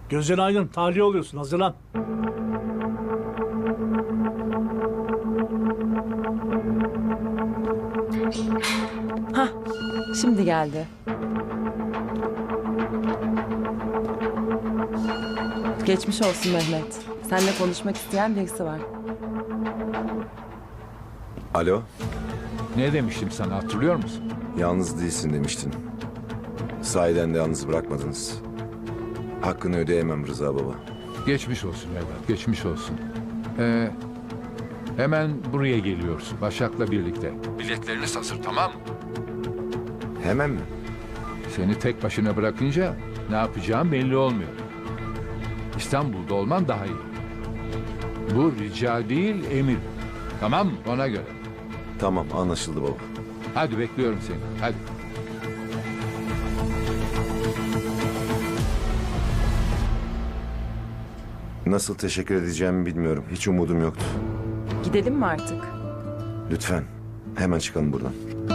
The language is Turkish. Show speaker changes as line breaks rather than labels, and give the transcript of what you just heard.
Gözün aydın, tahliye oluyorsun. Hazırlan.
Hah, şimdi geldi. Geçmiş olsun Mehmet. Seninle konuşmak isteyen birisi var.
Alo,
Ne demiştim sana, hatırlıyor musun?
yalnız değilsin demiştin. Sahiden de yalnız bırakmadınız. Hakkını ödeyemem Rıza baba.
Geçmiş olsun evlat, geçmiş olsun. Hemen buraya geliyorsun Başak'la birlikte. Biletlerini hazır, tamam mı?
Hemen mi?
Seni tek başına bırakınca ne yapacağım belli olmuyor. İstanbul'da olman daha iyi. Bu rica değil, emir. Tamam mı? Ona göre.
Tamam, anlaşıldı baba.
Hadi bekliyorum seni, hadi.
Nasıl teşekkür edeceğimi bilmiyorum. Hiç umudum yoktu.
Gidelim mi artık?
Lütfen, hemen çıkalım buradan.